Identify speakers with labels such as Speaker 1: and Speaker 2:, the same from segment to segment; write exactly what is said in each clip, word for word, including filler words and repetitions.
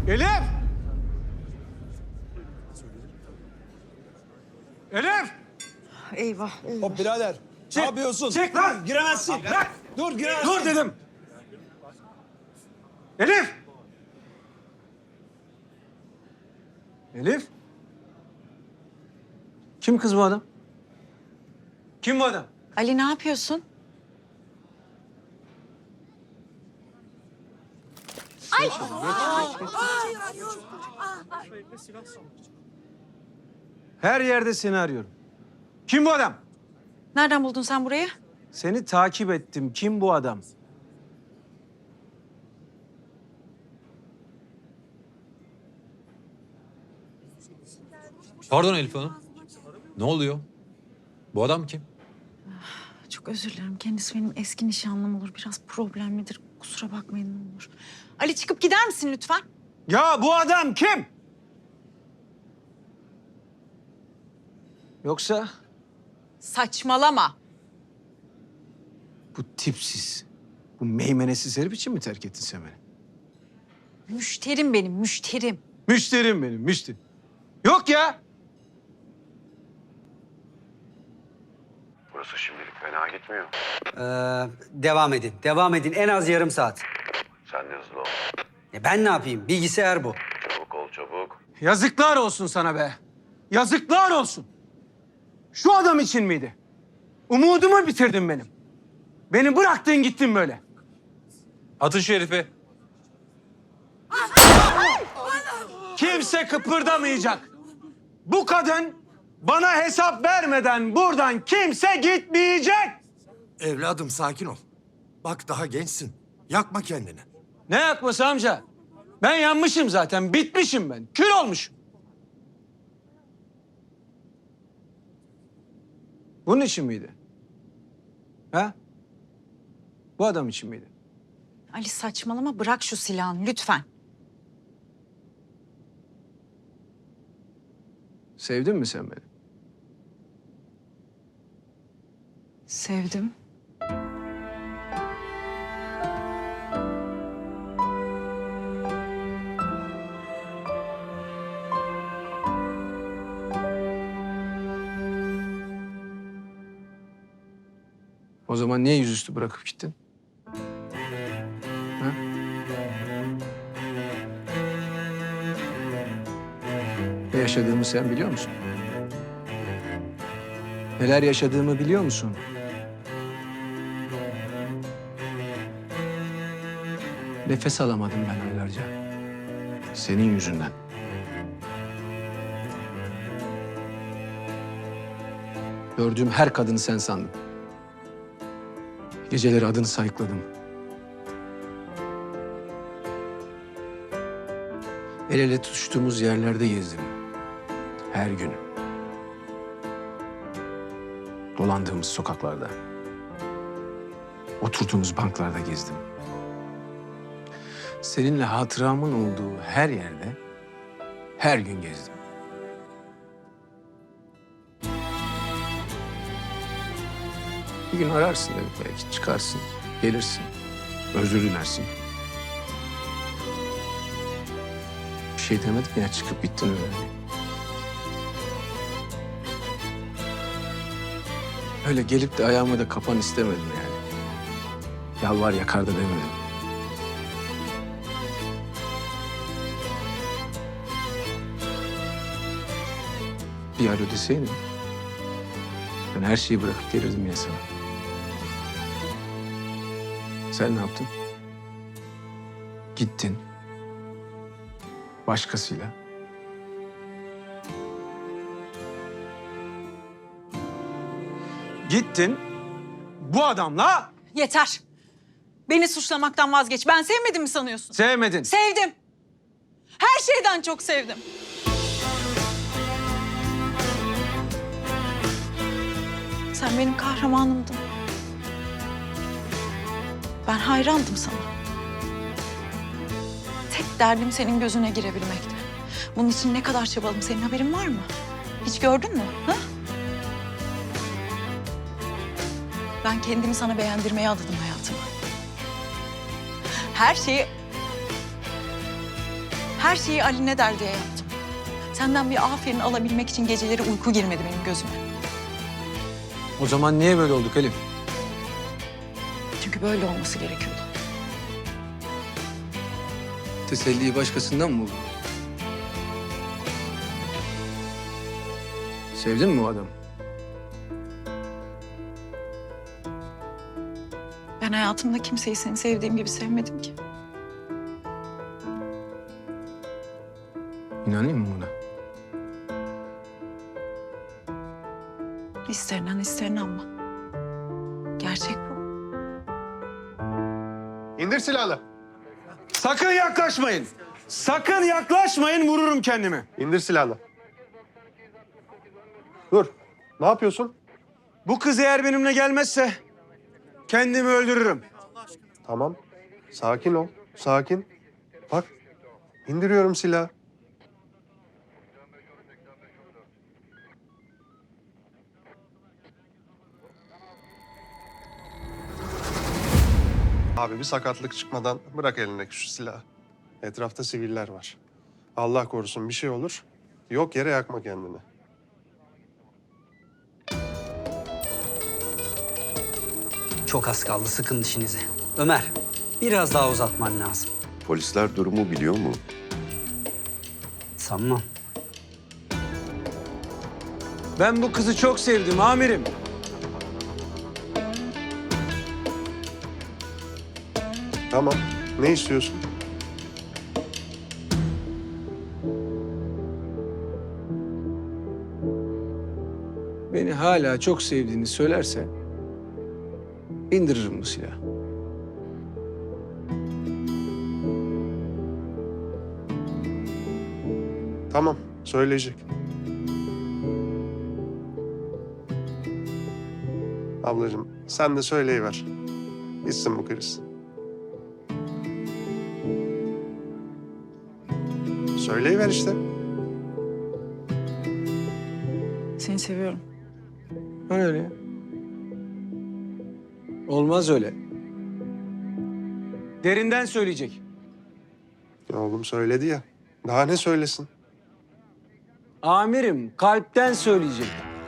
Speaker 1: Elif! Elif!
Speaker 2: Eyvah, eyvah.
Speaker 3: Hop birader.
Speaker 1: Çek,
Speaker 3: Ne yapıyorsun?
Speaker 1: çek lan!
Speaker 3: Giremezsin.
Speaker 1: Bırak!
Speaker 3: Dur giremezsin.
Speaker 1: Dur dedim! Elif! Elif? Kim kız bu adam? Kim bu adam?
Speaker 2: Ali ne yapıyorsun?
Speaker 1: Her yerde seni arıyorum. Kim bu adam?
Speaker 2: Nereden buldun sen burayı?
Speaker 1: Seni takip ettim. Kim bu adam?
Speaker 4: Pardon Elif Hanım. Ne oluyor? Bu adam kim?
Speaker 2: Çok özür dilerim. Kendisi benim eski nişanlım olur. Biraz problemlidir. Kusura bakmayın ne olur. Ali çıkıp gider misin lütfen?
Speaker 1: Ya bu adam kim? Yoksa
Speaker 2: Saçmalama.
Speaker 1: bu tipsiz, bu meymenesiz herif için mi terk ettin sen beni?
Speaker 2: Müşterim benim, müşterim.
Speaker 1: Müşterim benim, müşteri. Yok ya.
Speaker 5: Burası şimdilik fena gitmiyor.
Speaker 6: Ee, devam edin, devam edin. En az yarım saat.
Speaker 5: Sen de hızlı ol.
Speaker 6: E ben ne yapayım? Bilgisayar bu.
Speaker 5: Çabuk ol çabuk.
Speaker 1: Yazıklar olsun sana be. Yazıklar olsun. Şu adam için miydi? Umudumu bitirdin benim. Beni bıraktın gittin böyle.
Speaker 4: Atın şu herifi.
Speaker 1: Kimse kıpırdamayacak. Bu kadın bana hesap vermeden buradan kimse gitmeyecek.
Speaker 3: Evladım sakin ol. Bak daha gençsin. Yakma kendini.
Speaker 1: Ne yakması amca? Ben yanmışım zaten, bitmişim ben. Kül olmuşum. Bunun için miydi? Ha? Bu adam için miydi?
Speaker 2: Ali saçmalama, bırak şu silahını lütfen.
Speaker 1: Sevdin mi sen beni?
Speaker 2: Sevdim.
Speaker 1: O zaman niye yüzüstü bırakıp gittin? Ha? Ne yaşadığımı sen biliyor musun? Neler yaşadığımı biliyor musun? Nefes alamadım ben aylarca. Senin yüzünden. Gördüğüm her kadını sen sandım. Geceleri adını sayıkladım. El ele tutuştuğumuz yerlerde gezdim. Her gün. Dolandığımız sokaklarda. Oturduğumuz banklarda gezdim. Seninle hatıramın olduğu her yerde her gün gezdim. Bir gün ararsın dedim belki çıkarsın, gelirsin, özür dilersin. Bir şey demedim ya çıkıp gittin öyle. Öyle gelip de ayağıma da kapan istemedim yani. Yalvar yakar da demedim. Bir alo deseydin ben her şeyi bırakıp gelirdim ya sana. Sen ne yaptın? Gittin. Başkasıyla. Gittin. Bu adamla
Speaker 2: Yeter. Beni suçlamaktan vazgeç. Ben sevmedim mi sanıyorsun?
Speaker 1: sevmedin.
Speaker 2: Sevdim. Her şeyden çok sevdim. Sen benim kahramanımdın. Ben hayrandım sana. Tek derdim senin gözüne girebilmekti. Bunun için ne kadar çabaladım senin haberin var mı? Hiç gördün mü? Ha? Ben kendimi sana beğendirmeye adadım hayatımı. Her şeyi... Her şeyi Ali ne der diye yaptım. Senden bir aferin alabilmek için geceleri uyku girmedi benim gözüme.
Speaker 1: O zaman niye böyle olduk Elif?
Speaker 2: Çünkü böyle olması gerekiyordu.
Speaker 1: Teselliyi başkasından mı buldun? Sevdin mi o adamı?
Speaker 2: Ben hayatımda kimseyi seni sevdiğim gibi sevmedim ki.
Speaker 1: İnanayım mı buna?
Speaker 2: İster inan ister inanma. Gerçek bu.
Speaker 7: İndir silahını.
Speaker 1: Sakın yaklaşmayın. Sakın yaklaşmayın, vururum kendimi.
Speaker 7: İndir silahını. Dur. Ne yapıyorsun?
Speaker 1: Bu kız eğer benimle gelmezse kendimi öldürürüm.
Speaker 7: Tamam. Sakin ol. Sakin. Bak. İndiriyorum silahı. Abi bir sakatlık çıkmadan bırak elindeki şu silahı. Etrafta siviller var. Allah korusun bir şey olur. Yok yere yakma kendini.
Speaker 6: Çok az kaldı, sıkın dişinizi. Ömer, biraz daha uzatman lazım.
Speaker 5: Polisler durumu biliyor mu?
Speaker 6: Sanmam.
Speaker 1: Ben bu kızı çok sevdim amirim.
Speaker 7: Tamam. Ne istiyorsun?
Speaker 1: Beni hala çok sevdiğini söylerse indiririm bu silahı.
Speaker 7: Tamam. Söyleyecek. Ablacığım sen de söyleyiver. Bitsin bu kriz. Söyleyiver işte.
Speaker 2: Seni seviyorum.
Speaker 1: O öyle ya. Olmaz öyle. Derinden söyleyecek.
Speaker 7: Ya oğlum söyledi ya. Daha ne söylesin?
Speaker 1: Amirim kalpten söyleyecek.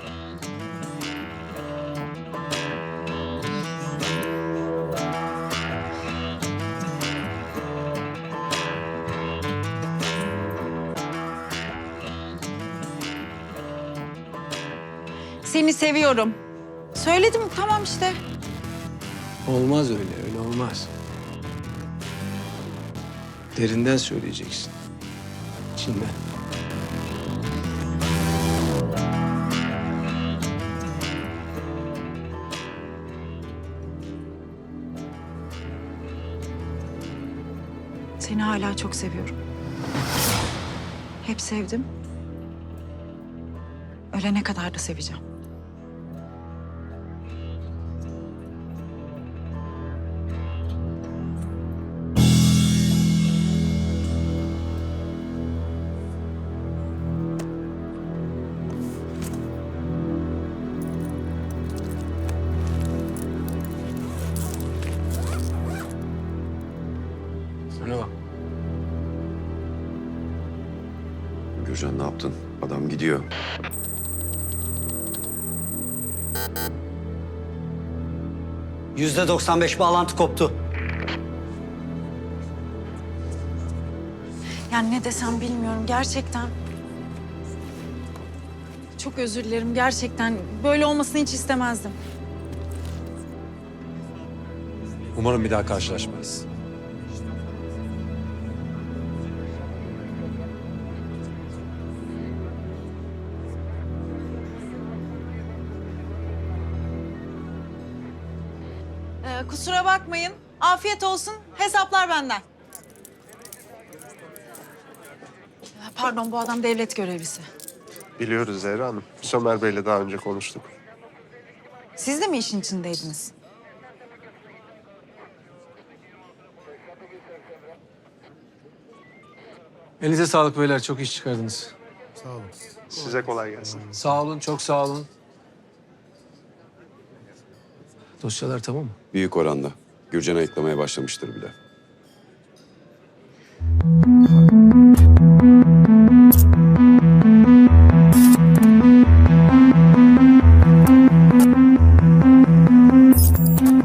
Speaker 2: Seni seviyorum. Söyledim tamam işte.
Speaker 1: Olmaz öyle, öyle olmaz. Derinden söyleyeceksin. İçinden.
Speaker 2: Seni hala çok seviyorum. Hep sevdim. Ölene kadar da seveceğim.
Speaker 1: Sana bak.
Speaker 5: Gürcan ne yaptın? Adam gidiyor.
Speaker 6: Yüzde doksan beş bağlantı koptu.
Speaker 2: Yani ne desem bilmiyorum gerçekten. Çok özür dilerim gerçekten. Böyle olmasını hiç istemezdim.
Speaker 4: Umarım bir daha karşılaşmayız.
Speaker 2: Ee, kusura bakmayın. Afiyet olsun. Hesaplar benden. Ee, Pardon bu adam devlet görevlisi.
Speaker 7: Biliyoruz Zehra Hanım. Biz Ömer Bey'le daha önce konuştuk.
Speaker 2: Siz de mi işin içindeydiniz?
Speaker 1: Elinize sağlık beyler, çok iş çıkardınız.
Speaker 7: Size kolay gelsin.
Speaker 1: Sağ olun, çok sağ olun. Dosyalar tamam mı?
Speaker 5: Büyük oranda. Gürcan ayıklamaya başlamıştır bile.